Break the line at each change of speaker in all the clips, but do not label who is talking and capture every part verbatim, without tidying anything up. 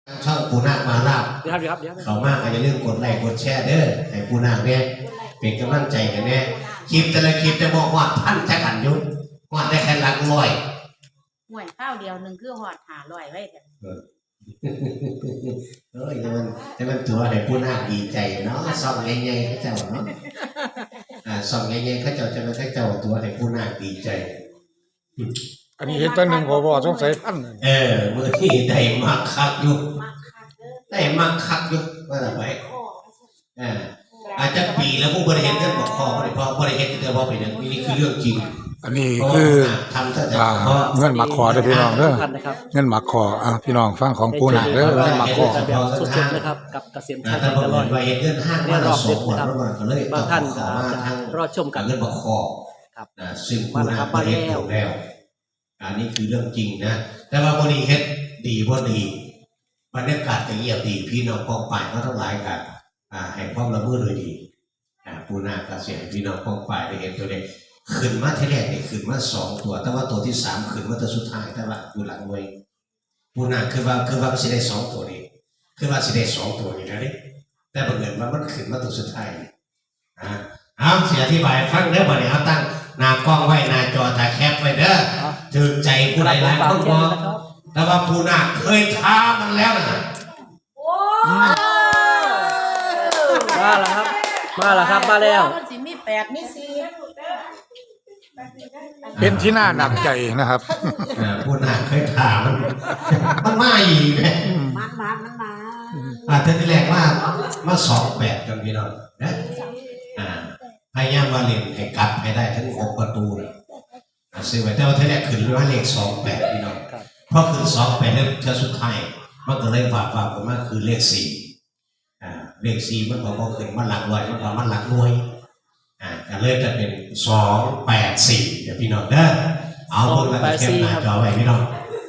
ช่องปูนาคมาลาบ
เดี๋ยวครับเดี๋ยวครับเดี๋ยวครับ
เขามากอาจจะเรื่องกดไลค์กดแชร์เด้อให้ปูนาคเนี่ยเป็นกำลังใจกันเนี่ยคลิปแต่ละคลิปจะบอกว่าพันจะขันยุบว่าได้แค่หลักร้อย
ห่วยข้าวเดียวหนึ่งคือหอดหาร้อยไว้แต่
เฮ้ยแต่มันแต่มันตัวให้ปูนาคดีใจเนาะซ่องใหญ่ๆเขาเจ้าเนาะอ่าซ่องใหญ่ๆเขาเจ้าจะไม่เขาเจ้าตัวให้ปูนาคดีใจ
อันนี้เห็นตัวหนึ่งพอบอกสงสัยพัน
เออเมื่อที่ได้มาคักอยู่ได้มาคักอยู่ว่าแต่ไปอ่าอาจจะปีแล้วผู้บริหารท่านบอกคอบริพอบริหารจะเดินพอไปเนี่ยนี่คือเรื่องจริง
อันนี้คือเงินหมักคอเด้อพี่น้องเด้อเงินหมักคออ่ะพี่น้องฟังของปูนาคเด้อเงินหมักคอ
แบบสดๆนะครับกับเกษมชัยตลอด
เนี่ยรอบเด็ดนะครับ
บางท่านจะรอชมกัน
เงินหมักคอครับซึ่งปูนาคประเทศถูกแล้วอันนี้คือเรื่องจริงนะแต่ว่าบริเฮ็ดดีบ่ดีบรรยากาศจะเงียบดีพี่น้องกองป่ายเขาทั้งหลายกันอ่าให้ความละเมิดโดยดีอ่าปูนาคเสียพี่น้องกองป่ายได้เห็นตัวเด็กขึ้นมาทีแรกนี่ขึ้นมาสองตัวแต่ว่าตัวที่สามขึ้นมาตัวสุดท้ายแต่ว่าอยู่หลังมวยปูนาคคือว่าคือว่าสิได้สองตัวนี้คือว่าสิได้สองตัวนี้นะนี่แต่บังเอิญว่ามันขึ้นมาตัวสุดท้ายอ่าเอาเสียอธิบายฟังเด้อบ่เนี่ยเอาตั้งหน้ากล้องไว้หน้าจอถ่ายแคปไว้เด้อถึงใจผู้ใดหลายคนบ่แต่ว่าปูนาคเคยท้ามันแล้วนะ
มาแล้วครับมาแล้วครับมาแล้ว
มันสิมีแปดมีสี่
เป็นที่น่าหนักใจนะครับ
ปูนาคเคยท้ามันมันมาอีกเลย
มันมามันมา
อาจจะที่แรกว่ามาสองแปดกันพี่น้องนะอ่าพยายามมาเล่นให้กลับให้ได้ทั้งหกประตูเลยซื้อไว้แต่ว่าทีแรกขึ้นว่าเลขสองแปดพี่น้องเพราะคือสองแปดเลขเท่าสุดท้ายมันก็เลยฝากฝากผมว่าคือเลขสี่อ่าเลขสี่มันบอกว่าขึ้นมาหลักร้อยมันบอกมันหลักหน่วยอ่าก็เลยจะเป็นสองแปดสี่เดี๋ยวพี่น้องเด้อเอาเพิ่งมาเก็บหน้าจอไว้พี่น้อง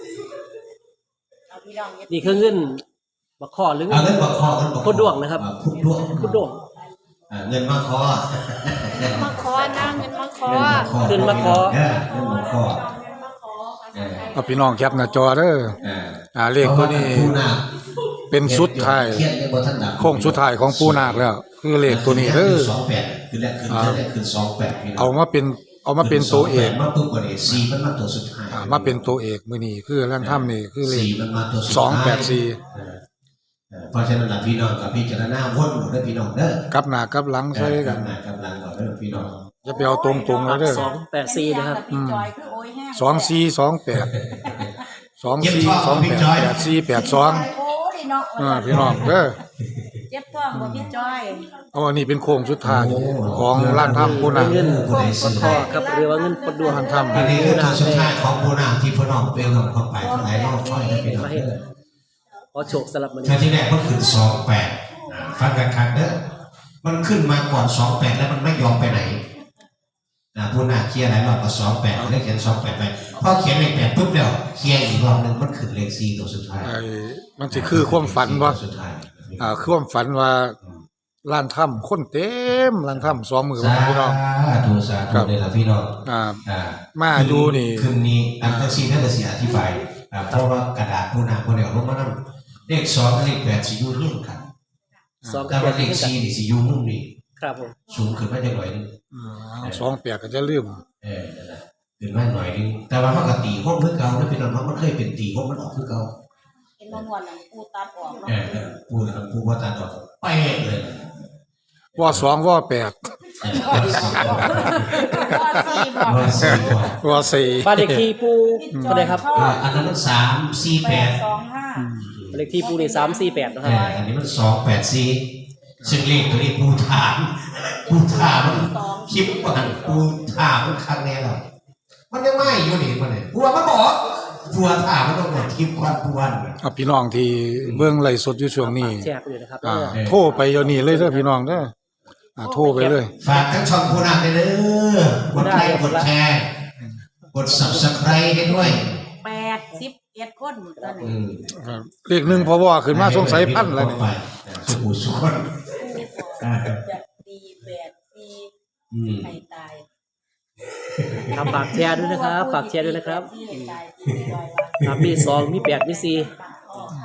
นี่คือเงินบักคอหรือเงิน
เงินบักคอเงินบักคอ
พุดดวงนะครับ
พุดดวง
พุดดวง
เงินมาคอ
มาคอนะเงินมาคอ
ขึ้นมาคอ
เงินมาคอ
เอาพี่น้องแคปหน้าจอเด้ออ่าเลขตัวนี้เป็นสุดท้ายโค้งสุดท้ายของปูนาคแล้วคือเลขตัวนี้เด้อ
สองแปดคือแรกคือแรกคือสองแปด
เอามาเป็นเอามาเป็นตัวเอก
มาตัวเอกสี่มันมาตัวสุดท้าย
อ่ามาเป็นตัวเอกมื้อนี้คือแรงถ้ำนี่คือเลขสองแปดสี่
เพราะฉะนั้นพี่น้องกับพี่เจารณาวนหมดเด้อพี่น้องเด้อ
กับหน้ากับหลังใส่กัน
กับหลังก่อนเด้อพี่น้อง
อย่าไปเอาตรงๆเลยเด้อ
สองแปดสี่นะครับ
สองสี่สองแปดสองสี่สองแปดแปดสี่แปดสองอ่าพี่น้องเด้อ
เจ็บท้องบ่พี่จอย
เอาอันนี้เป็นโค้งสุดท้ายของร้านถ้ำปูนาค
เงินบักคอครับเรียกว่าเงินพุดดวง
ร้านถ้ำ
อันนี้คือสุดท้ายของปูนาคที่พี่น้องเป็นของเข้าไปทั้งหลายรอบค่อยได้พี่น้องเด้อ
ขอโชคสลับมัน
ที่แรกมันขึ้นสองแปดฟังกันคันเด้อมันขึ้นมาก่อนสองแปดแล้วมันไม่ยอมไปไหนนะผู้นาเคลียร์หลายรอบก็สองแปดเลขเขียนสองแปดไปพอเขียนเลขแปดปุ๊บเดียวเคลียร์อีกรอบหนึ่งมันขึ้นเลขสี่ตัวสุดท้าย
มันจะคือความฝันว่าอ่าความฝันว่าร้านถ้ำคนเต็มร้านถ้ำสองมือพี่น้อง
ดูสาธุเลยล่ะพี่น้อง
อ่ามาดูนี่
คืนนี้อันตรซีนั่นจะเสียอธิบายเพราะว่ากระดาษผู้นาคนเดียวลงมานั่งเลขสองเลขแปดสิยูนี่กันสองกับเลขสี่นี่สิยูมุ่งนี่
ครับผม
สูงขึ้นมาจะหน่อยนึง
สองแปดก็จะลืม
เออขึ้นมาหน่อยนึงแต่ว่าเขากตีห้องเมื่อเก่าแล้วเป็นตอนนั้นมันเคยเป็นตีห้องมันออกเมื่อเก่า
เห็นมันวันหลังปูตาออกเนาะ
เออปูหลังปูว่าตาออกไปเลย
ว่าสองว่าแปดว่าสี่
บ้านเลขที่ปูก็ได้ครับ
อันนั้นมันสามสี่แปด
สองห้า
เลขที่ปูนี่สามสี่แปดนะครับ
อันนี้มันสองแปดสี่ซึ่งเลขตัวนี้ปูถามปูถามคลิปมันปูถามมันครั้งแน่หรอมันยังไม่อยู่นี่มันเลยปูว่ามันบอกปูถามมันต้องหมดคลิปควันปูวัน
พี่น้องที่เบื้องไล่สดอยู่ช่วงนี้
แชร์ไปเลยนะครับ
โทรไปเดี๋ยวนี้เลยเด้อพี่น้องเด้อโทรไปเลย
ฝากทั้งช่องปูนาคเลยเด้อกดไลค์กดแชร์กด ซับสไครบ์ ให้ด้วย
แปดสิบเอ็ดคนตอนนี้
เลขหนึ่งพอว่าขึ้นมาสงสัยพันแล้วนี่
สุขุสุขน
จะดีแปดสี่ใครตาย
ครับฝากแชร์ด้วยนะครับฝากแชร์ด้วยนะครับครับมีสองมีแปดมีสี่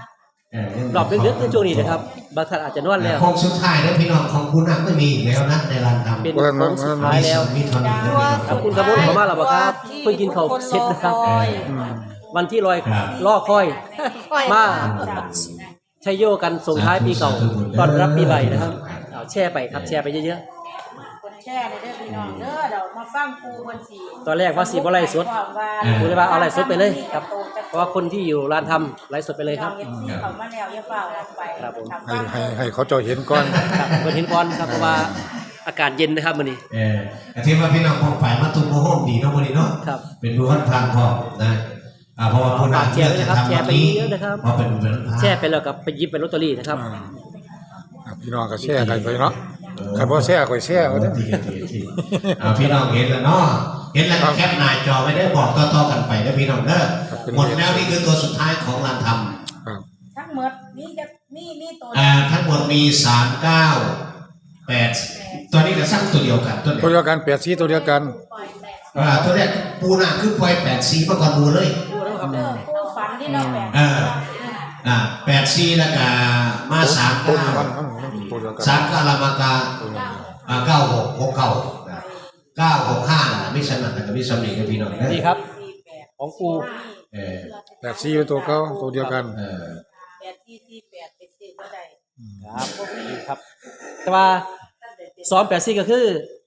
เออ
รอบลึกๆในช่วงนี้นะครับบางท่านอาจจะนวดแล้ว
โค้งสุดท้ายแล้วพี่น้องของคุณนักไม่มีอีกแล้วนะในร้านทำ
เป็นโค้งสุดท้ายแล้ว
มีเท่านี้แล้ว
ขอบคุณครับผมขอมาแล้วบ่ครับเพิ่งกินข้าวเสร็จนะครับ วันที่ลอยล่อคอยมาชัยโยกันส่งท้ายปีเก่าต้อนรับปีใหม่นะครับเอาแช่ไปครับแช่ไปเยอะ
คนแช่เลยเด้อพี่น้องเด้อเดี๋ยวมาฟังครูคนสี
ๆตอนแรกว่าสีบ่ไล่สดครูเลยว่าเอาไล่สดไปเลยครับเพราะว่าคนที่อยู่ร้านทำไล่สดไปเลยครับ
เอฟซีเขามาแล้วอย่าเฝ้าออกไป
ครับผม
ให้ให้ให้เขาเจ้าเห็นก่อน
ครับเปิดเห็นก่อนครับเพราะว่าอากาศเย็นนะครับมื้อนี้
เออแต่ที่ว่าพี่น้องของฝ่ายมาตุ้มโมโหมดีเนาะวันนี้เนาะ
ครับ
เป็นผู้พันพานพร้อมนะอ่าเพราะว่าผู้นำ
แชร์ไปนะครับแชร์ไปเยอะนะครับ
เพราะเป็นเป็นพาน
แช่ไปแล้วกับไปหยิบเป็นลอตเตอรี่นะครับ
อ่าพี่น้องก็แชร์กันไปเนาะใครบ่แชร์ก็แชร์เอาเด้อ
ดีดีดีอ่าพี่น้องเห็นแล้วเนาะเห็นแล้วก็แคปหน้าจอไว้ได้บอกต่อๆกันไปนะพี่น้องเด้อหมดแล้วนี่คือตัวสุดท้ายของร้านทำ
ครับ
ทั้งหมดนี่จะนี่นี่ตัว
อ่าทั้งหมดมีสามเก้าแปดตัวนี้ก็สร้างตัวเดียวกันตัว
ตัว
เดี
เดี
ยว
ยวกันแปดสีตัวเดียวกัน
อ่าตัวแรกปูนาคือปล่อยแปดสีมาก่อนดูเลย
เด้อผู้ฝันที่เราแปด
เอออ่าแปดสีแล้วก็มาสาม
ตัว
เก้า
มันมันมันตัวเดียวกัน
สามเก้าลามากา
ตัวเดียวกัน
อ่าเก้าหกหกเก้าเก้าหกห้าไม่สนัดแต่ก็ไม่สำเร็จกับพี่น้องนะ
นี่ครับ
สี่แปด
ของปู
เออ
แปดสีเป็นตัวเก่าตัวเดียวกัน
เออ
แปดสี่สี่แปดเป็นสี่ก็ได้
ครับนี่ครับ แต่ว่าซ้อมแปดซี่ก็คือ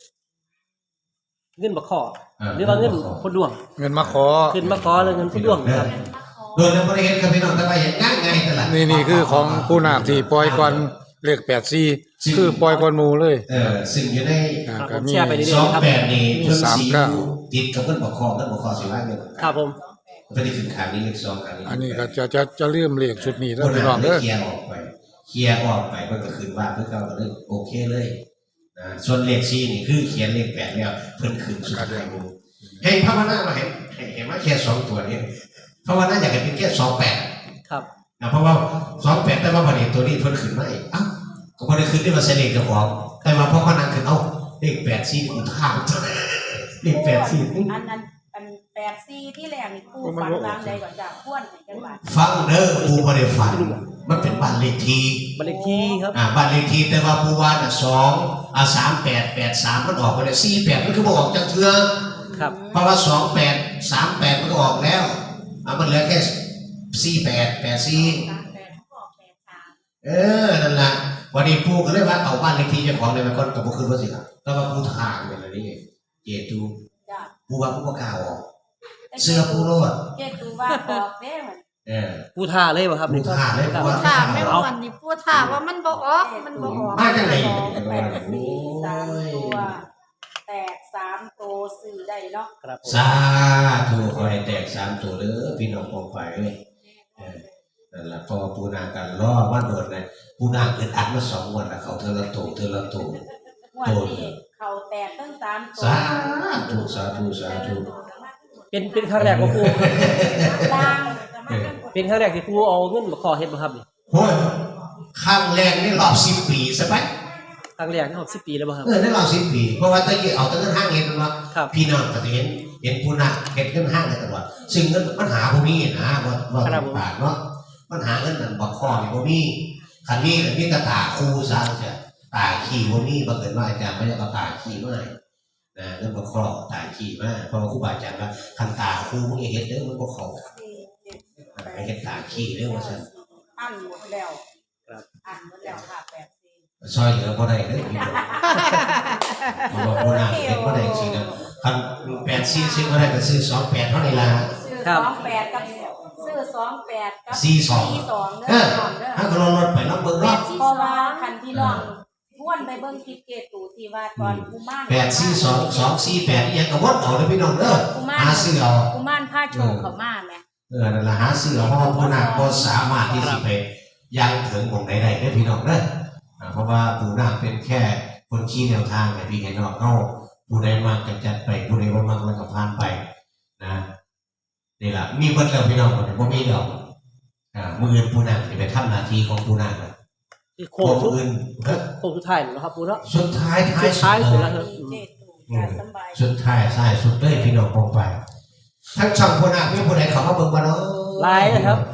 เงินบักขอหรือว่าเงินคนดวง
เงินมาขอ
ขึ้นมาขอเลยเงินคนดวงครับ
โดยในบริเวณกับพี่น้องแต่ว่าอย่างง่ายง่ายตลาด
นี่นี่คือของผู้นาคที่ปล่อยก่อนเลขแปดสีคือปล่อยก่อนหมู่เลย
เออซึ่งอยู่ใน
อ่า
ครับ
ก็
ผม
มี
แชร์ไปเรื่
ส
อ
อย ง
ๆครับ
แปดนี่เพิ่ง
สาม
สี
เก้า
ติดกับเงินบอกคอเงินบอกคอสิว่าเงิน
ครับผม
ไม่ได้ขึ้นขางนี้เลขสองขางนี้
อันนี้ก็จะจะจะเริ่มเลขชุดนี้
ค
แล้ว
น
พี่
นั้
น้อง
น
เด้อ
เคลียร์ออกไปเคลียร์ออกไปเพิ่นก็คืนว่าเพิ่นก็เลยโอเคเลยนะส่วนเลขสี่นี่คือเขียนเลขแปดแล้วเพิ่นขึ้นสุดท้ายให้ภาวนามาเห็นเห็นว่าแค่สองตัวนี้ภาวนาอยากให้เป็นแค่สองแปด
ครับ
นะเพราะว่าสองแปดแต่ว่าประเด็นตัวนี้เพิ่นขึ้นมาอีกอ้าวก็บ่ได้ขึ้นที่มาเสน่ห์เจ้าของแต่ว่าพอเขานั่งขึ้นเอ้าเลขแปดสี่กูท่ามเลขแปดสี่
อันนั้นอันแปดสี่ที่แรกนี่ผู้ฝันวางใดก่อนจากพ้วนให้จังหวัด
ฟังเด้อปูบ่ได้ฝันมันเป็นบ้านเลขที่
บันเลขที่ครับ
อ่าบ้านเลขที่แต่ว่าปูว่าน่ะสองอ่าสามแปดแปดสามมันออกไปได้สี่แปดมันคือบ่ออกจากเทือ
ครับ
เพราะว่าสองแปดสามแปดมันก็ออกแล้วอ่ามันเหลือแค่สี่แปดแปดสี่
สามแปดเขาบอกแปดสาม
เออนั่นล่ะวันนี้ปูก็เลยว่าเอาบ้านเลขที่เจ้าของเลยไปก่อนก็บ่คือว่าสิครับแต่ว่าปูทางเนี่ยละนี่เจตู
จ้ะ
ปูว่าปูบ่กล้าออกเสื้อปูโลด
เจ๊ดูว่าบอกเด้เหมือน
เออ
ปูท่าเลยป่ะครับ
ปูท่าเลย
ครับ
ปู
ถามไม่ว่าวันนี้พูดถามว่ามันบ่ออกมันบ่ออก
มาจังได๋
แปดสี่สามตัวแตกสามตัวสื่อได้เนาะ
ครับผม
สาธุขอให้แตกสามตัวเด้อพี่น้องปองไปเอ้ยเออนั่นล่ะพอปูนากันล่อมาโดดนะปูนาเกิดอัดมาสองงวันแล้วเขาเธอละโตเธอละโต
วันนี้เขาแตกตั้งสามตัว
สาธุสาธุสาธุ
เป็นเป็นครั้งแรกของปู
ล่าง
เป็นครั้งแรกที่ปูเอาเงินมาขอเฮ็ดบ่ครับนี่
โอ้ยครั้งแรกนี่รอบสิบปีใช่ไหม
ครั้งแรกนี่สิบปีแล้วบ่ครับ
เออได้รอบสิบปีเพราะว่าตะกี้เอาแตั้งเงินห้างเห็นมันว่า
ครับ
พี่น้องก็จะเห็นเห็นปูนาเห็นเงินห้างในตลอดซึ่งเงินปัญหาพวกนี้นะว่าว่าปากเนาะปัญหาเงินนั่นบอกข้อนี่พวกนี้คันนี้แต่นี่ตาตาคู่ซะเสียตาขี้พวกนี้บังเอิญว่าอาจารย์ไม่ได้เอาตาขี้มาให้นะเรื่องบอกข้อตาขี้มาเพราะว่าครูบาอาจารย์ว่าคันตาคู่มึงอย่าเห็นเด้อมันบอกเขา ให้เห็นตาขี้เด้อว่าซั่น
อันหมดแล้ว
ครับ
อันหมดแล้วค่ะแปดสี่
ซอยเหลือบ่ได้เด้อพี่น้องบ่บ่บ่น่าเฮ็ดบ่ได้จริงๆนะคันแปดสี่สิบ่ได้ก็ซื้อสองแปดเท่านี้ล่ะ
ซื้อสองแปดกับซื้อสองแปดกับ
สี่สอง
สี่สองเด้
เอ
อ
อ
น้องเด้อ
ถ้าก็ลงรถไปลองเบิ่งเนาะ
เพราะว่าคันที่น้องทวนไปเบิ่งคลิปเกตูที่ว่าตอนกุมาร
แปดสี่สองสองสี่แปดอีหยังก็วดเอาเด้อพี่น้องเด้อ
กุมาร
หาซื้อเอา
กุมารผ้าโชว์เขามาแม่
เออนั่นล่ะหาซื้อเอาเพราะว่าผู้นาคบ่สามารถที่สิไปยังถึงหม่องใดได้เด้อพี่น้องเด้ออ่าเพราะว่าผู้นาคเป็นแค่คนชี้แนวทางให้พี่ให้น้องเฮาผู้ใดมักก็จัดไปผู้ใดบ่มักมันก็ผ่านไปนะนี่ล่ะมีเบิดแล้วพี่น้องบ่ได้บ่มีดอกอ่ามื้ออื่นผู้นาคสิไปทำหน้าที่ของผู้นาคนะ
ที่โค้
โค้
ง
ง
สุด
อื่นเฮ้ย
โค้งสุดท้ายแล้วครับปูเนาะ
สุดท้ายท้าย
สุดท้ายสุดแล้ว
เลย
มีเจตูการสำบาย
สุดท้ายท้ายสุดเลยพี่น้องปองไปทั้งช่องผู้นาคมีผู้ใดเข้ามาเบิ่งบ่เนาะ
ไลน์นะครับ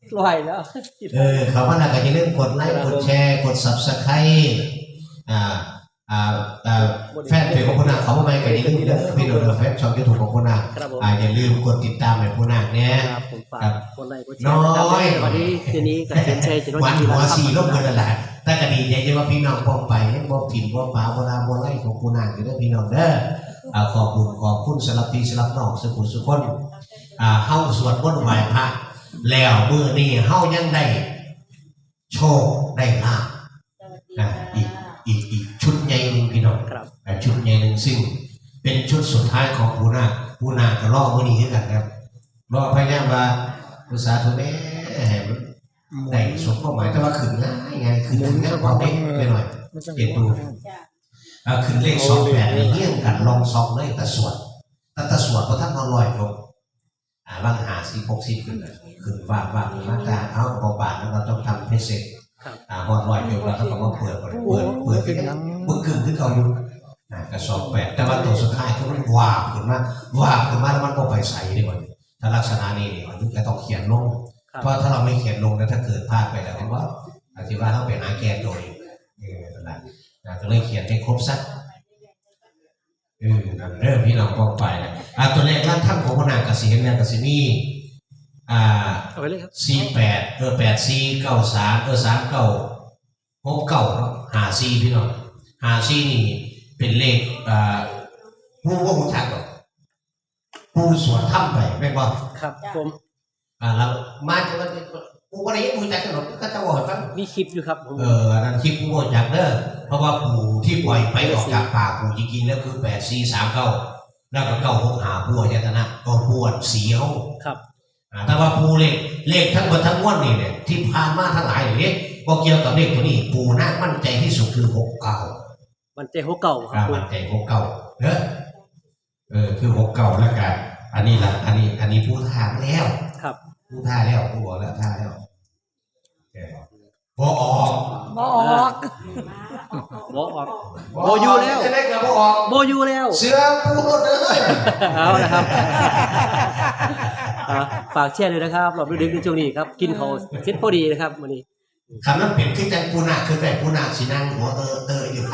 ลอยแล้ว
เออเขาว่าน่าก็จะเรื่องกดไลค์กดแชร์กด Subscribe อ่าอ่าอ่าแฟนเพจของคุณนาเขาไม่ก็อย่าลืมเด้อพี่น้องแฟนช่อง YouTube ของคุณนาอ่าอย่าลืมกดติดตามให้คุณนาเนี่ย
ครับผมฝากคนไลค์กดแชร์
น้อย
วันนี้คืนนี้กับเซนเชจะน้อง
วัน
ดี
หั
แล้ว
ว
ครับ
สีลบกันนั่นแหละแต่ก็ดีใจที่ว่าพี่น้องป้องไปบ่ถิ่นบ่ป่าบ่ลาบ่ไล่ของคุณนาอยู่เด้อพี่น้องเด้ออ่าขอบคุณขอบคุณสำหรับพี่สำหรับน้องสุขุมสุขคนอ่าเฮาสวดมนต์ไหว้พระแล้วมื้อนี้เฮายังได้โชคได้ลาภ อ่าอีกอีกอีกชุดใหญ่หนึ่งพี่น้อง
ครับ
อ่าชุดใหญ่หนึ่งซึ่งเป็นชุดสุดท้ายของปูนาปูนาก็รอมื้อนี้คือกันครับรอพยายามว่าภาษาทุเรศให้มันได้สมความหมายแต่ว่าขึ้นง่ายง่ายขึ้นง่ายกว่าเด็กไปหน่อยเปลี่ยนดูอ่าขึ้นเลขสองแปดนี่เงี้ยงกันลองซองเลยแต่สวดแต่แต่สวดเพราะท่านนอนลอยจบอ่าบางหาสิบหกสิบขึ้นเลยขึ้นว่าว่ามาตาเอาเบาๆแล้วเราต้องทำให้เสร็จ อ่าพอลอยอยู่แล้วเขาบอกว่าเปิดเปิดเปิดเปิดเป็นเปิดกึ่งขึ้นเขาอยู่อ่ากระสอบแปดแต่ว่าตัวสุดท้ายคือมันวาบขึ้นมาวาบขึ้นมาแล้วมันก็ไปใส่ได้หมดถ้าลักษณะนี้เนี่ยมันก็ต้องเขียนลงเพราะถ้าเราไม่เขียนลงแล้วถ้าเกิดพลาดไปแล้วว่าอธิบายต้องเป็นอาแกนโดยเออนั่นแหละก็เลยเขียนให้ครบสักเออเริ่มพี่น้องป้องไปนะอ่าตัวเลขร้านท่านของพนักกสิเห็นเนี่ยกสิมีอ่า
เอาไปเลยครับ
สี่แปดเออแปดสี่เก้าสามเออสามเก้าหกเก้าเนาะหาสี่พี่น้องหาสี่นี่เป็นเลขอ่าผู้ว่าผู้ชักหรอกผู้สวนถ้ำไปแม่นบ่
ครับผม
อ่าแล้วมาจะว่าผู้ว่าได้ยังผู้จักกันหรอกก็จะบอกให้ฟัง
มีคลิปอยู่ครับผม
เอออันนั้นคลิปผู้ว่าจักเด้อเพราะว่าผู้ที่ปล่อยไปออกจากปากผู้จริงๆแล้วคือแปดสี่สามเก้าแล้วก็เก้าหกหาผู้ยตนะก็ปวดเสียว
ครับ
แต่ว่าปูเลขเลขทั้งหมดทั้งมวลนี่เนี่ยที่ผ่านมาทั้งหลายอย่างนี้ก็เกี่ยวกับเลขตัวนี้ปูน่ามั่นใจที่สุดคือหกเก้า
มันเจหัวเก่าครับผม
มั่นใจหกเก้าเนอะเออคือหกเก้าแล้วกันอันนี้ละอันนี้อันนี้ผู้ท่าแล้ว
ครับ
ผู้ท่าแล้วผู้บอกแล้วท่าแล้วพอออก
บ่ออก
โบออกโบอยู่แล้ว
จะได้เกิดพอออก
โบอยู่แล้ว
เสือปูรถเลย
เอาละครับอ่าฝากแชร์เลยนะครับรอบดึกๆในช่วงนี้ครับกินข้าวเสร็จพอดีนะครับวันนี้
คำนั้นเป็นขึ้นจากปูนาคือแต่ปูนาสีนั่งหัวเตอเตออยู่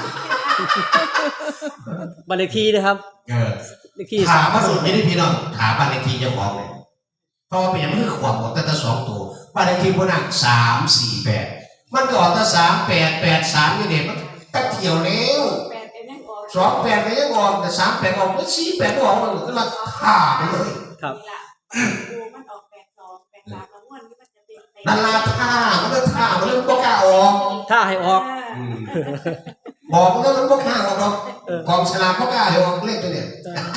บันเลขที่นะครับ
เออ
เลขที่
ถามมาสุดยี่พี่น้องถามบ้านเลขที่เจ้าของเลยเพราะว่าเป็นอย่างนี้คือขวบหมดตั้งแต่สองตัวบ้านเลขที่พนักสามสี่แปดมันก็ออกตั้งสามแปดแปดสามนี่เด็กมันตั้งเที่ยวแล้วสองแปดก็ยังออกแต่สามแปดออกไม่สี่แปดออกมันก็ละท่าไปเลย
ครับ
มันออกแปดสองแปดสามแล้วม้วนนี่มันจะเป็น
นั่นละท่ามันก็ท่ามันเริ่มก็กล้าออก
ถ้าให้ออก
บอกมันก็มันก็กล้าออกหรอกกองฉลากก็กล้าออกเลขตัวเนี้ย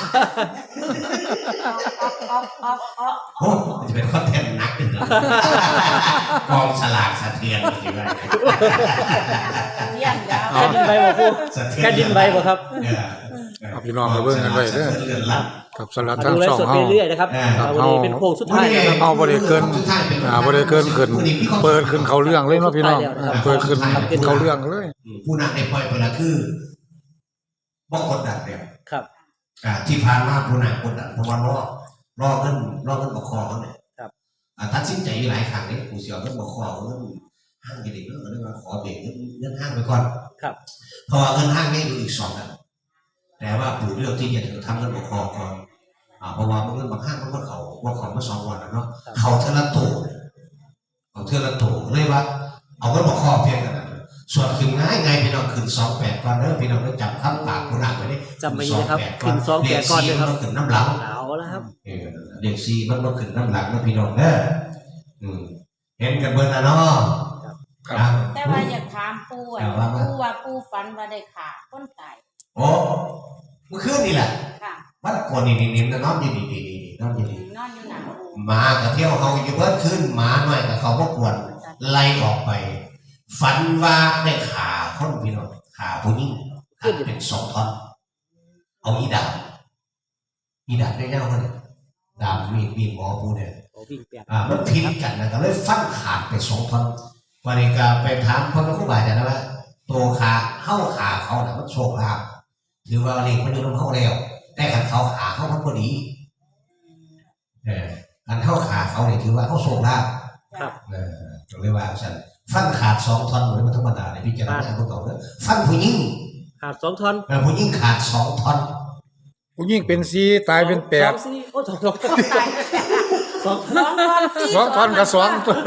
ออกออกออก
โอ้มันจะเป็นคอนเทนต์นักเลยกองฉลากสะเทือนจริงไหม
เรียนยาว
แค่ดินใบบ่พูดแค่ดินใบบ่ครับ
เอาพี่น้องมาเบิ่งกันไว้เด้อกับสลัด
มา
ทั้ง
ดูไล
สอ
ฟ์
ง
สด
เฮา
ไปเรื่อยนะครับวันนี้เป็นโค้งสุดท้ายนะครับ
เอาบ่ได้เกินอ่าบ่ได้เกินขึ้นเปิดขึ้นเขาเรื่องเลยเนาะพี่น้องอ่าเปิดขึ้นเขาเรื่องเลย
ผู้นำในปล่อยไปละคือบอกกดดันเดียว
ครับ
อ่าที่ผ่านมาผู้นำกดดันเพราะว่ารอรอเงินรอเงินบกคอเขาเนี่ย
ครับ
อ่าตัดสินใจอยู่หลายครั้งเนี่ยผู้เสียเงินบกคอเงินห้างกี่เด็กเรื่องอะไรมาขอเบรกเงินเงินห้างไปก่อน
ครับ
เพราะว่าเงินห้างเนี่ยอยู่อีกสองกันแต่ว่าผู้เลือกที่จะทำเงินบกคอก่อนอ่าเพราะว่าเงินบางห้างมันก็เขาว่าเขามาสองวันแล้วเนาะเขาเทละตัวเขาเทละตัวเลยว่าเอาเงินบกคอเพียงกันนะส่วนขึ้นง่ายไงพี่น้องขึ้นสองแปดก่อนเด้อพี่น้องต้องจำคำปากผู้นำไว้ดิ
จำไม่ได้ครับขึ้นสองแปดก่อนเลยครับ
ขึ้นน้ำหลัง
เอาแล้วครับ
เออเด็กซีมันต้องขึ้นน้ำหลังนะพี่น้องเด้ออืมเห็นกันเบิร์นนะเนาะ
ครับ
แต่ว่าอยากถามปู่อ่ะปู่ว่าปู่ฝันว่าได้ขาคนตาย
โอ้เมื่อคืนนี่แหละ
ค่ะ
วัดก่อนนี่นี่นี่นอนอยู่นี่นี่นี่นอนอยู่นี่
นอนอยู่หนาปู่
หมากับเที่ยวเขาอยู่เบิร์ดขึ้นหมาหน่อยกับเขาพวกวนไล่ออกไป ฝันว่าได้ขาคนพี่น้องขาผู้หญิงขาเป็นสองท่อนเอาอีดาบอีดาบได้เง่าเขาเนี่ยดาบมีดมีดหมอผู้เนี่ย
โอ้วิ่งแปด
อ่ามันพินกันนะก็เลยฟันขาดไปสองท่อนวันนี้ก็ไปถามพ่อแม่ครูบาอาจารย์นะว่าตัวขาเข้าขาเขาน่ะมันโชคลาภถือว่าเล็กมันอยู่ตรงเขาแล้วแต่ขันเขาขาเขามันพอดีเออขันเข้าขาเขาเนี่ยถือว่าเขาโชคลาภ
ครับ
เออก็เลยว่าฉันฟันขาดสองท่อนเหมือนมันธรรมดาในพิจารณาพวกเขาเนี่ยฟันผู้หญิง
ขาดสองท่อน
เออผู้หญิงขาดสองท่อน
ผู้หญิงเป็นสี่ตายเป็นแปด
สองสี่โอ้สองสองสอง
สองท่อนสี่
สองท่อนกับสองตัว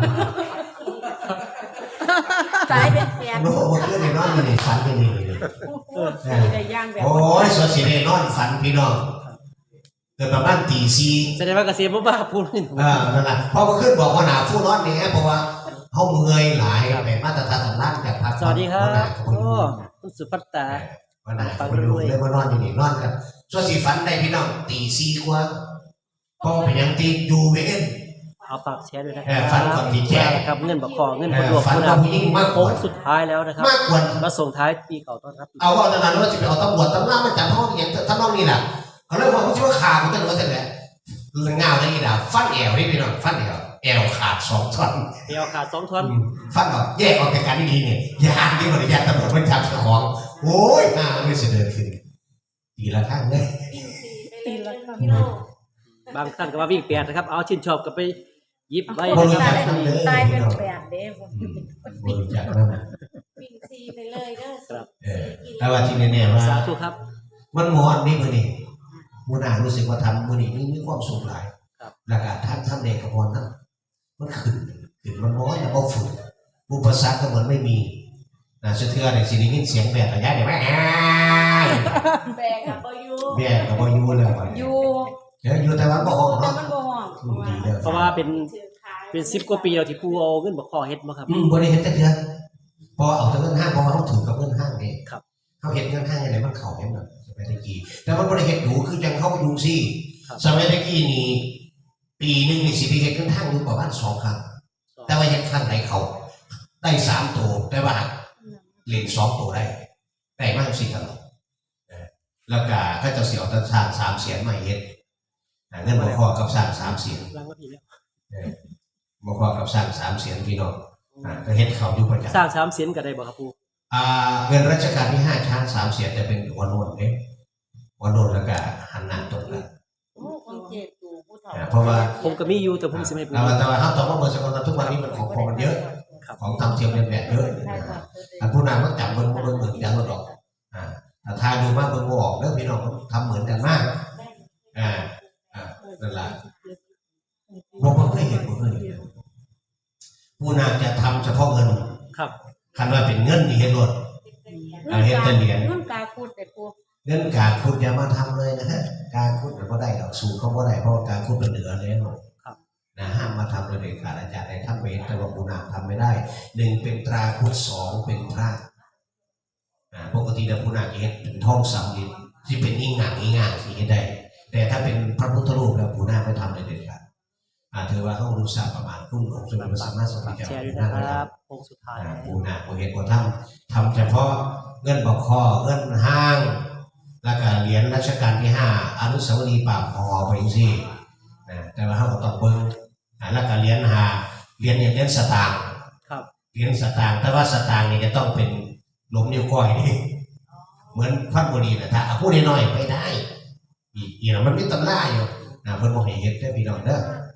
ตายเป็นแปด
โน้ตเพื่อนในนอนนี่ฝันนี่นี่นี่
สีได้ย่างแบบ
โอ้ยสวดสีในนอนฝันพี่น้องเกิดประมาณตีสี่
แสดงว่าเกษตรบ้าพูดนี่
เออนั่นแหละพอมาขึ้นบอกว่าหนาผู้นอนนี่เพราะว่าเขาเมื่อยหลายไปมาตรฐานสำนักจากพัก
สวัสดีครับ
โอ้
โอ้คุณสุภัตตา
วันไหนคนดูเลยมานอนอยู่นี่นอนกันส่วนสีฝันได้พี่น้องตีสี่กว่าพอเป็นยังตีดูเวน
เอาฝากแชร์ด้วยนะค
เอ
รั
อฝันก่อนที่แชร์
ครับเงินบักคอเงินบดวง
ฝัน
คุณ
ว่า
นะ
ผู้หญิงมากก
โค้
ว่า
งสุดท้ายแล้วนะครับ
มากกว่า
มาส่งท้ายปีเก่าต้อนรับปี
เอาว่าตอนนั้นว่าจะไปเอาตำรวจตำรวจมาจับห้องอย่างท่านน้องนี่แหละเขาเรียกว่าเขาชื่อว่าขามันเป็นว่าแต่แหละเงาได้อีด่าฟันแอวนี่พี่น้องฟันแอวแอวขาดสองท่อน
เดียวขาดสองท่อน
ฟันออกแยกออกจากกันดีๆเนี่ยยานที่บริยานตำรวจมันจับเจ้าของโอ้ยหน้ามันไม่เสด็จขึ้นตีละข้างเลย
ตีละครั้ง
บางท่านก็ว่าวิ่งแปดนะครับ เอาชื่นชอบก็ไปหยิบไว้
บ
นะ
ริ
ค
จา
รั
ค
บ
เลย
ตายเป็นแปดเด้ผม
บริจาคนั่น
วิ่งซีไปเลยเด้อ
ครับ
เออแต่ว่าที่แน่ๆว่า
สาธุครับ
มันมอนนี่มือนี่มูนารู้สึกว่าทำมือนี่มีความสุขหลายแล้วก็ท่านท่านเด็กกับมอนนั้นมันขึ้นขึ้นมันม้อนแล้วก็ฝึกอุปสรรคก็เหมือนไม่มีนะสุดเทือเนี่ยสิ่งนี้เสียงแบบระยะเนี่ยแม่
แบกกับบ่อยู่
แม่ก็บ่อยู่แล้วบัด
อ
นี้
ยู่
เดี๋ยวอยู่แต่ว่าบ่ห้อง
แต่
เนาะ
มันบ่ห้อง
อืมดีแล้ว
เพราะว่าเป็น
ถือขาย
เป็นสิบกว่าปีแล้วที่ปูเอาเงินบักคอเฮ็ดมาครับ
อืมบ่ได้เฮ็ดแต่เดือนพอเอาแต่เงินห้างเพราะว่าเขาถือกับเงินห้างเด้
ครับ
เขาเฮ็ดเงินห้างยังไงมันเข้าแม่นแบบสมัยตะกี้แต่มันบ่ได้เฮ็ดดูคือจังเข้าอยู่ซี่
ครับ
สมัยตะกี้นี่ปีหนึงนี่สิไปเฮ็ดเงินห้างอยู่ประมาณสองครั้งแต่ว่าเฮ็ดครั้งไหนเขาได้สามตัวแต่ว่าเล่นสองตัวได้ได้มากสิครับเออแล้วก็เขาเจะเสียวตะสร้างสามเสียนมาเฮ็ดอ่าเงินบ่พอกับสร้างสามเสียน
ล้างว่าผีแล้ว
บอกว่ากับสร้างสามเสียงพี่น้องอ่าก็เฮ็ดเขาอยู่ประจำ
สร้างสามเสียนก็ได้บ่ครับปู
อ่าเงินรัชกาลที่ห้าช้างสามเสียงแต่เป็นวันโนนเด้วันโนนแล้วก็หันหน้าตรงกัน
โอ้ของเจ็ดตู่ผู้เฒ่า
อ่าเพราะว่า
ผมก็มีอยู่แต่ผมสิไม่ปู
แต่ว่าแต่ว่าถ้าต่อมาเมื่อสักวันทุกวันนี้มันของพอมันเยอะ
ครับ
ของทำเทียมเรียนแบบเยอะนะครับอันผู้นำมันจับเบิ่งเบิ่งเหมือนกันหมดหรอกอ่าแต่ทายดูมากเบิ่งบ่ออกเด้อพี่น้องมันทำเหมือนกันมากอ่าอ่านั่นแหละบ่บ่เคยเห็นบ่เคยเห็นผู้นำจะทำเฉพาะเงิน
ครับ
คันว่าเป็นเงินนี่เฮ็ดรถ อ่าเฮ็ดแต่เหรียญ
เงินกาคูดแต่ปู
เงินการขุดอย่ามาทำเลยนะฮะการขุดมันก็ได้ดอกสูงเขาก็ได้เพราะว่าการขุดเป็นเหลือแล้วนะห้ามมาทำเลยเด็ดขาดอาจารย์ในท่านเวทแต่ว่าปูนาทำไม่ได้หนึ่งเป็นตราขุดสองเป็นพระอ่าปกติแล้วปูนาจะเห็นเป็นทองสำริดที่เป็นอิงหนังอิงอ่างที่เห็นได้ แต่ถ้าเป็นพระพุทธรูปแล้วปูนาไม่ทำเลยเด็ดขาดอ่าถือว่าเขารู้สักประมาณครึ่งองค์สมเด็จพระสัมมาสัมพุทธ
ฝาก
เจ้า
แชร์ด้วย
ปู
นะ
นา
ค
ไม่ท
รับโค้งสุดท้าย
ำอ่าปูนาปูเห็นปูทำทำเฉพาะเงินบอกคอเงินห้าง แล้วก็เหรียญรัชกาลที่ห้าอนุสาวรีย์ปากหอไปสินะแต่ว่าเขาก็ต้องเบิ้งอ่าแล้วก็เหรียญหาเหรียญเนี่ยเหรียญสตางค์
ครับ
เหรียญสตางค์แต่ว่าสตางค์นี่จะต้องเป็นหลมนิ้วก้อยนี่เหมือนพัดบุรีนะถ้าเอาพูดน้อยๆไม่ได้อีกอีกนะมันมีตำราอยู่นะเพิ่นบอกให้เฮ็ดได้อพี่น้องเด้อ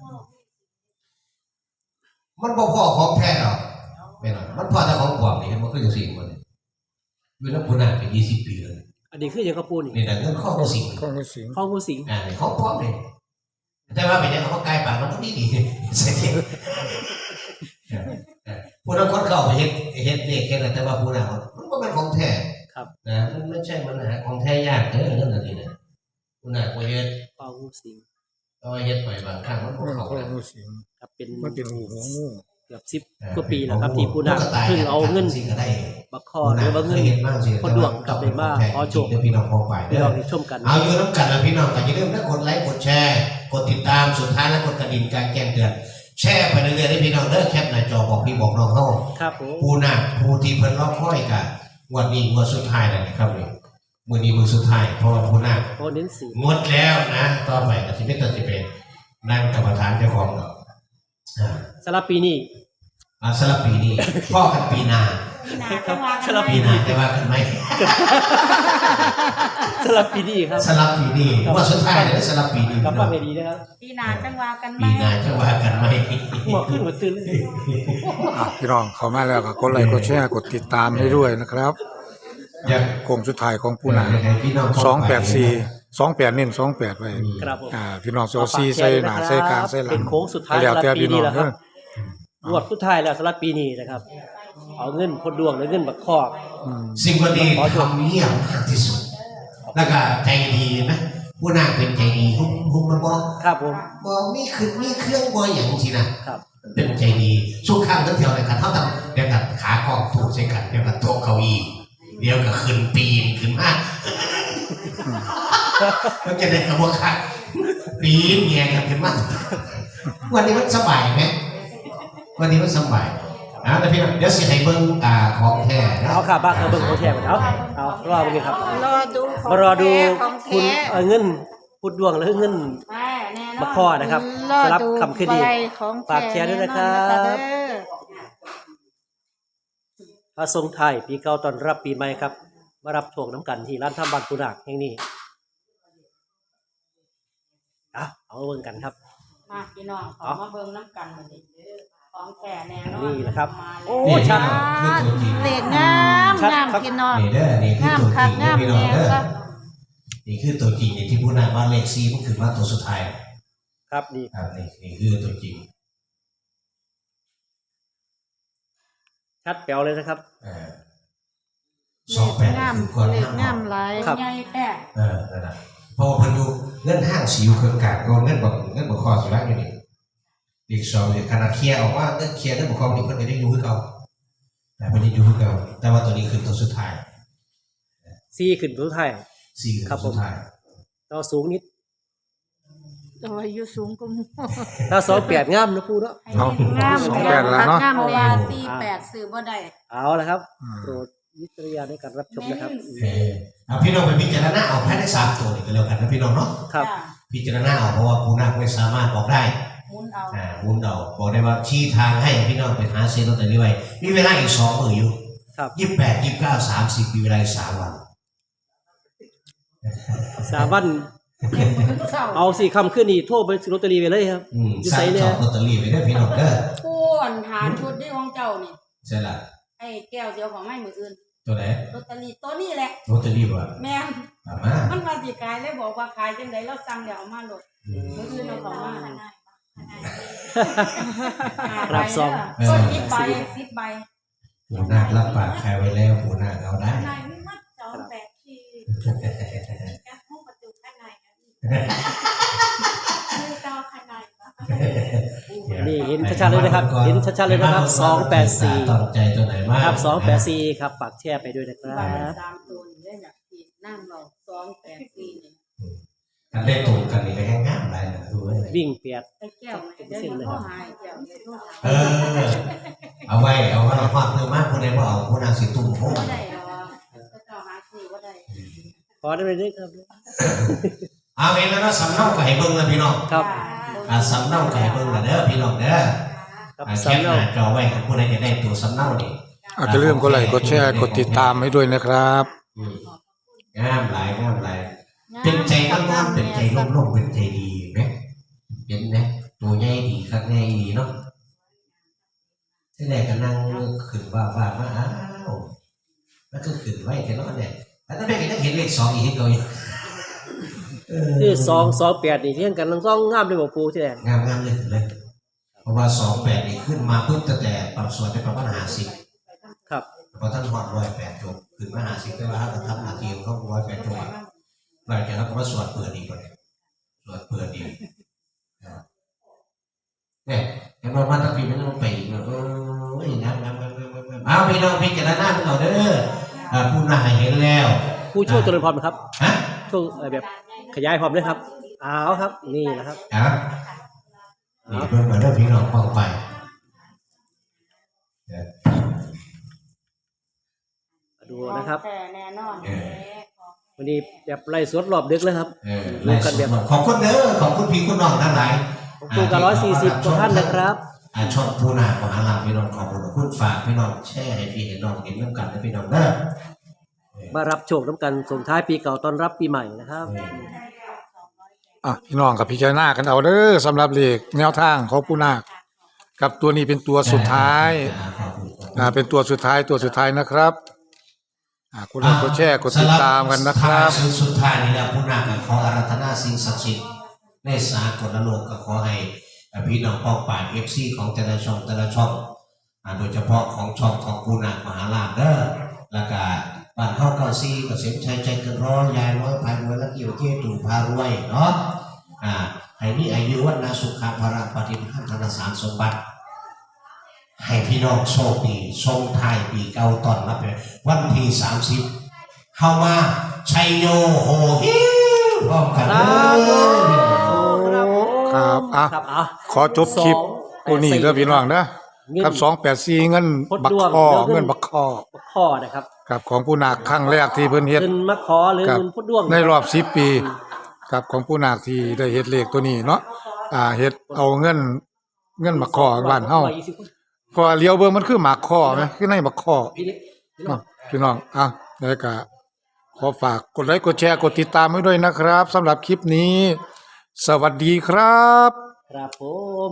มันบ่พอของแท้หรอกไม่หรอกมันพอแต่ของปลอมนี่เห็นมันก็อยู่สี่คนนี่อยู่แล้วพุ่นน่ะเป็นยี่สิบปีเลย
อันนี้คืออย่างกระปูนี่
นี่นะเงินข้อมูลสิ่ง
ข้องมือสิง
ข้องูสิง
อ่าเขาพร้อมเลยแต่ว่าเป็นยังเขาใกล้ปากมันก็ดีดีเสียผู้นั้นคนเข้าไปเฮ็ดเฮ็ดเลขแค่นั้นแต่ว่าผู้นั้นมันก็เป็นของแท้
ครับ
นะมันไม่ใช่มันหาของแท้ยากเด้อนั่นน่ะนี่นะผู้นั้นก็เฮ็ด
ข้องูสิง
ก็เฮ็ดไปบางครั้งมันก็
ข้
เข้า
องมือสิง
ครับเป็น
มันเป็นหูหัวงู
เกือบสิบกว่าปีแล้วครับที่ปูนาเพิ่งเอาเงิน
สิก็ได้
บักคอหรือว่าเงิน
เฮ็ดมากสิ
คนดวงกลับไปมาขอโชค
เด้อพี่น้องพอไป
เดี๋
เด้
ยว
อ
เราได้ชมกัน
เอาอยู่น้ำกันนะพี่น้องแต่อย่าลืมนะกดไลค์กดแชร์กดติดตามสุดท้ายแล้วกดกระดิ่งการแจ้งเตือนแชร์ไปเรื่อยๆให้พี่น้องเด้อแคปหน้าจอบอกพี่บอกน้องเฮา
ครับผม
ผู้น่ะผู้ที่เพิ่นรอคอยกันงวดนี้งวดสุดท้ายแล้วนะครับนี่มื้อนี้มื้อสุดท้ายเพราะว่าผู้น่ะ
โอ้เน้นสี
งดแล้วนะต่อไปก็สิเป็นตัดสิเป็นนั่งกรรมฐานเจ้าของดอกอ่า
สำหรับปีนี้
อ่าสำหรับปีนี้พ่อกันปีหน้า
ปีหน้าจังว่ากัน
สลับ
ไหม
ปีหน้าจะว่ากันไหม
สลับปีนี้ครับ
สลับปีนี้ว่าสุดท้ายเนี่ยสลับปีนี้
กลับมาไม่ดีนะครับ
ปีหน้าจังว่ากันไหม
ปีหน้าจะว่ากันไหม
หมอขึ้นหัวตื่นเลย
อ่ะพี่น้องเข้ามาแล้วก็กดไลค์กดแชร์กดติดตามให้ด้วยนะครับ
อยาก
โค้งสุดท้ายของปูนา
ให้พี่น้อง
สองแปดสี่สองแปดเน้นสองแปดไว้
ครับผม
อ่าพี่น้องโซซีใส่หน้าใส่กลางใส่หลัง
เป็นโค้งสุดท้าย
แล้วแต่พี่น้อง
สำหรับปีนี้แหละครับ
เด้อ
งวดสุดท้ายแล้วสำหรับปีนี้นะครับ เอาเงินพดดวงหรือเงินบักคอก
อืม
สิ่งดีทำเงียบมากที่สุด แล้วก็ใจดีนะผู้นางเป็นใจดีหุ้มหุ้มมาบอก
ครับผม
บอกมีคือมีเครื่องบอยอย่างทีนะครับ เป็นใจดีสู้ข้างทั้งแถวเลยครับเท่ากับเดี๋ยวกับขากองถูกใช้กันเดี๋ยวกับโต๊ะเก้าอี้เดี๋ยวกับขึ้นปีนขึ้นมาแล้วจะได้กระบอกขัดปีนแย่กันขึ้นมาวันนี้มันสบายไหมวันนี้มันสบายนะแต่พี่น้องเดี๋ยวสิให้เบิ้งอ่าของแท้นะ
เอาค่ะบ้านเอาเบิ่งโอเคไปเอาเอารอเบิ่งครับ
รอดูของ
มารอดู
ของ
คุณ
แท้
เอาเงินพุดดวงหรือเงิน
แม่แน่นอน
บักคอนะครับ
รอ
สำหรับ
ดู
คำคืนดี
ใบของ
ฝากแชร์ด้วยนะครับ
แน่นอนนะคะเด้อ
พระทรงไทายปีเก่าตอนรับปีใหม่ครับ มารับโชคน้ำกันที่ร้านทำบันปุนักแห่งนี้อ่ะเอาเบิ่งกันครับ
มาพี่น้องขอมาเบิ่งน้ำกันมาดิของแก่แน่นอน
นี่แหละครับ
มาแล้ว
โอ้
นี่
ชัด
คือตัวจริง
เลขงาม
ชัด
งาม
ครับ
พี่น้อง
นี่เด้อนี่คือง
าม
ตัวจ
คั
ริ
ก
ง
งาม
พี่น้อง
แน่
เด้อ
ครับ
นี่คือตัวจริงนี่ที่ผู้นางว่าเลขซีมันคือว่าตัวสุดท้าย
ครับดี
ครับนี่นี่คือตัวจริง
ชัดแป๋วเลยนะครับ
เออสองแปด
งาม
คือก่อน
เลข
ห้าม
งามหลาย
ครับ
ใหญ่แท้
เออนั่นแหละเพราะว่าเพันอยู่เงินห้างสิวเครื่องกลางก็เงินบอกเงินบอกคอสุดท้ายอยู่นี่อีกสองเนี่ยขนาดเคลียร์ออกว่าเงินเคลียร์เงินบอกคอนี่เพิ่นก็ได้อยู่คือเก่าแต่ไม่ได้อยู่คือเก่าแต่ว่าตัวนี้คือตัวสุดท้าย
ซีขึ้นทุกไทาย
สี่คือ
ครับ
ตัว
ผม
สุดท้าย
ต่อสูงนิด
แต่ว่าอยู่สูงกว่าหมู่
ถ้าสองแปดงามนะปูเนาะ
เอา
งาม
สองแปดแล้วเนาะ
งาม
เพราะ
แล้
ว่าว สี่แปดซื้อบ่ได้
เอาละครับ
อืม
โปรดวิจารณญาณในการรับชมนะครับ
เออเอาพี่น้องไปพิจารณาเอาแค่ได้สามตัวนี่ก็แล้วกันนะพี่น้องเนาะ
ครับ
จ้ะ
พิจารณาเอาเพราะว่าผู้นักไม่สามารถบอกได้
หมุนเอา
อ่าวุ้นเราบอกได้ว่าชี้ทางให้พี่น้องไปหาซื้อลอตเตอรี่ไว้มีเวลาอีกสองมืออยู่
ครับ
ยี่สิบแปดยี่สิบเก้าสามสิบมีเวลาอีกสามวัน
สามวัน
เศร้า
เอาสี่คำขึ้นนี่โทรไปซื้อลอตเตอรี่ไปเลยครับ
อืม
อยู่
สั่
ไส
ง
เนี่
จ
ย
องลอตเตอรี่ไปได้อพี่น้องเด้อ
ผู้อันหาชุดที่ของเจ้านี่
ใช่ละ
ไอ้แก้วเดียวของไม่มืออื่น
ตัวไหน
ลอตเตอรี่ตัวนี้แหละ
ลอตเตอรี่บ่
แม่น
ถามมา
มันมาสิขายเลยบอกว่าขายจังไดเราสั่งเดี๋ยวเอามาโหลดมืออื่นเอาของมา
รับซอง
ก็สิบใบสิบใบ
ผู้นาครับปากใครไว้แล้วผู้นาเอาได้
นายไม่มัดจองแบบที่แก๊สห้องประตูข้างในนะมือจอข้างในปะ
นี่เห็นชัดๆเลยนะครับเห็นชัดๆเลยนะครับสองแปดสี่
ต้องใจตัวไหนมาก
ครับสองแปดสี่ครับฝากแชร์ไปด้วยนะค
ใบ
รับ
สามตัวนี่ได้แบบที่นั่งเราสองแปดสี่นี่
กันได้ตรงกันนี่ก็แห้งง่ายอะไรนะดูไว้
วิ่งเปียด
ไอ้แก้วเดี๋ยวนี้เขาหายแก้วเดี๋ยวเขาหาย
เออเอาไว้เอาไว้เราความเพิ่มมากคนใดว่าเอาผู้นาสิตุ่มโอ้
บ่ได้หรอกก็เจ้าหาซื้อบ่ได้
ขอได้ไหมเนี่ยครับ
เอาเองแล้วก็สำเนาไก่เบิ้งนะพี่น้อง
ครับ
อ่าสำเนาไก่เบิ้งนะเด้อพี่น้องเด้อ
ครับ
อ่าแคป
สำ
ห
เนา
น้าจอไว้กับผู้ใดจะได้ตัวสำเนานี่
อาจจะเริ่าลืมกดไลค์กดแชร์กดติดตามให้ด้วยนะครับ
อืมงามหลายงามหลายเป็นใจตั้งมั่นเป็นใจร่มๆเป็นใจดีไหมเห็นไหมตัวใหญ่ดีข้างในดีเนาะที่แรกก็นั่งขึ้นว่าว่ามาอ้าวแล้วก็ขึ้นไว้แค่นั้นเนี่ยแล้วนั่นแม่ก็ยังเห็นเลขสองอีกที่เขาอยู่เออ
คือสองสองแปดนี่เที่ยงกันทั้งสองงามเลยบอกปูที่แดง
งามงามเลยเลย เพราะว่าสองแปดนี่ขึ้นมาปุ๊บตั้งแต่ปรับส่วนได้ประมาณห้าสิบ
ครับ
พอท่านหอดร้อยแปดจบขึ้นมาห้าสิบได้ว่าท่านทำหน้าที่ของเขาร้อยแปดจบหลังจากนั้นก็มาสวดเปิดอีกคนสวดเปิดอีกเนี่ยเห็นว่ามาตั้งปีมันต้องไปอีกเอออย่างนั้นงามงามงามงามเอาพี่น้องพิจารณาเราเด้ออ่าผู้น่าเห็นแล้ว
ผู้ช่วยเจริญพรครับ
ฮะ
ช่วงเอ่อแบบขยายความด้วยครับเอาครับนี่นะครับ
ครับนี่เพิ่มมาเรื่องพี่น้องฟังไป
ดูนะครับ
แต่แน่นอน
เออ
วันนี้แบบไล่สดรอบดึกเลยครับ
เออ
ดูกันแบบ
ขอบคุณเด้อขอบคุณพี่คุณน้องทั้งหลาย
ของปูกับร้อยสี่สิบกว่าท่านนะครับ
อ่าช่องผู้นามหาลาพี่น้องขอบคุณฝากพี่น้องแชร์ให้พี่เห็นน้องเห็นน้ำกันให้พี่น้องเด้อ
มารับโชคน้ำกันส่งท้ายปีเก่าต้อนรับปีใหม่นะครับ
อ่ะพี่น้องกับพิจารณากันเอาเด้อสำหรับเลขแนวทางของปูนาคกับตัวนี้เป็นตัวสุดท้ายอ่าเป็นตัวสุดท้ายตัวสุดท้ายนะครับอ่ากดไลค์กดแชร์กดติดตามกันนะครับ
สุดสุดท้ายนี่แหละผู้นำก็ขออาราธนาสิ่งศักดิ์สิทธิ์ในสากลโลกก็ขอให้พี่น้องป้องป่ายเอฟซีของแต่ละช่องแต่ละช่องอ่าโดยเฉพาะของช่องของผู้นำมหาลาภเด้อแล้วก็บ้านเข้าเก้าซีเกษมชัยใจเกินร้อยยายร้อยพายรวยและเกี่ยวเที่ยวตู่พารวยเนาะอ่าให้มีอายุวันนาสุขภาระปฏิภาณธนสารสมบัติให้พี่น้องโชคดีทรงไทายปีเก่าตอนรับเลยวันที่สามสิบเข้ามาชัยโยโหฮิวพร้อมกันเลย
ครับอ่ะ
ครับอ่ะ
ขอจบคลิปตัวนี้เด้อพี่น้องนะ
เงิน
ครับสองแปดสี่เงิน
พด
บัก
ดวง
คอ
เดี๋ยวเงิน
เงินบักคอ
ข้อนะครับ
กับของผู้นาคครั้งแรกที่เพิ่นเฮ็ด
เงินมะขอหรือ
ครับ
เงินพุดด้วง
ในรอบสิบปีกับของผู้นาคที่ได้เฮ็ดเลขตัวนี้เนาะอ่าเฮ็ดเอาเงินเงินบักคอบ้านเฮาพอเลี้ยวเบิ่งมันคือหมากคอไหมคือในบักคอ
พี่เล็ก
เนาะพี่น้องอ่ะแล้วก็ขอฝากกดไลค์กดแชร์กดติดตามไว้ด้วยนะครับสำหรับคลิปนี้ สวัสดีครับ
ครับผม